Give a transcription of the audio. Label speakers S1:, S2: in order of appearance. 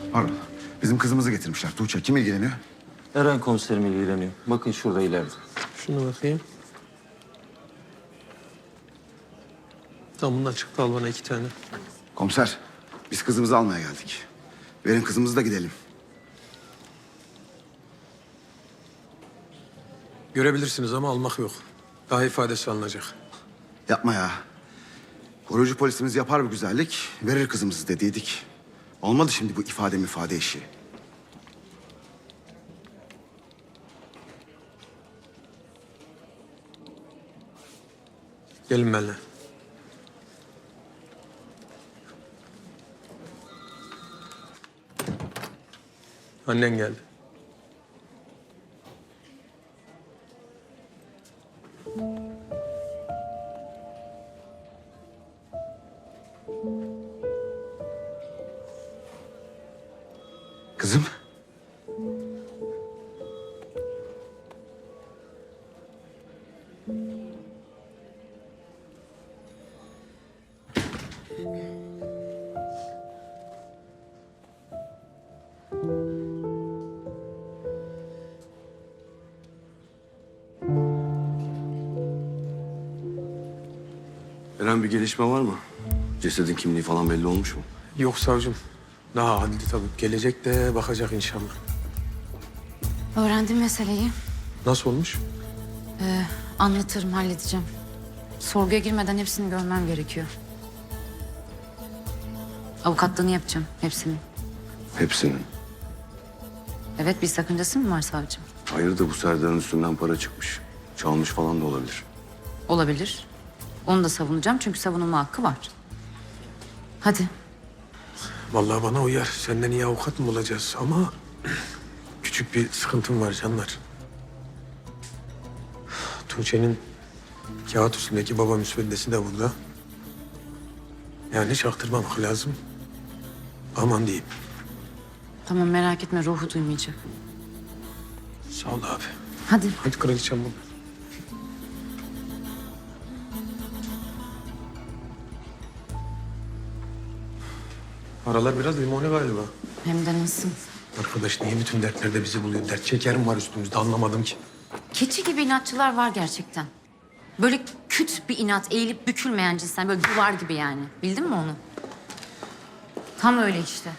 S1: Pardon. Bizim kızımızı getirmişler. Tuğçe kim ilgileniyor?
S2: Eren komiserim ilgileniyor. Bakın şurada ileride.
S3: Şunu bakayım. Tamam bundan çıktı, al bana 2 tane.
S1: Komiser, biz kızımızı almaya geldik. Verin kızımızı da gidelim.
S3: Görebilirsiniz ama almak yok. Daha ifadesi alınacak.
S1: Yapma ya. Korucu polisimiz yapar bir güzellik, verir kızımızı dediydik. Olmadı şimdi bu ifade işi.
S3: Gelin benimle. Annen geldi.
S1: Kızım.
S4: Eren, bir gelişme var mı? Cesedin kimliği falan belli olmuş mu?
S3: Yok savcım. Daha adli tabii. Gelecek de bakacak inşallah.
S5: Öğrendim meseleyi.
S3: Nasıl olmuş?
S5: Anlatırım, halledeceğim. Sorguya girmeden hepsini görmem gerekiyor. Avukatlığını yapacağım, hepsini.
S4: Hepsinin.
S5: Evet, bir sakıncası mı var savcım?
S4: Hayırdır, bu Serdar'ın üstünden para çıkmış. Çalmış falan da olabilir.
S5: Olabilir. Onu da savunacağım çünkü savunulma hakkı var. Hadi.
S3: Vallahi bana uyar. Senden iyi avukat mı bulacağız ama... küçük bir sıkıntım var canlar. Tuğçe'nin kağıt üstündeki baba müsveddesi de burada. Yani çaktırmamak lazım. Aman diyeyim.
S5: Tamam, merak etme, ruhu duymayacak.
S3: Sağ ol abi.
S5: Hadi.
S3: Hadi kraliçem bu. Aralar biraz limoni galiba.
S5: Hem de nasıl?
S3: Arkadaş niye bütün dertlerde bizi buluyor? Dert çekerim var üstümüzde, anlamadım ki.
S5: Keçi gibi inatçılar var gerçekten. Böyle küt bir inat, eğilip bükülmeyen cinsten. Böyle duvar gibi yani. Bildin mi onu? Tam öyle işte.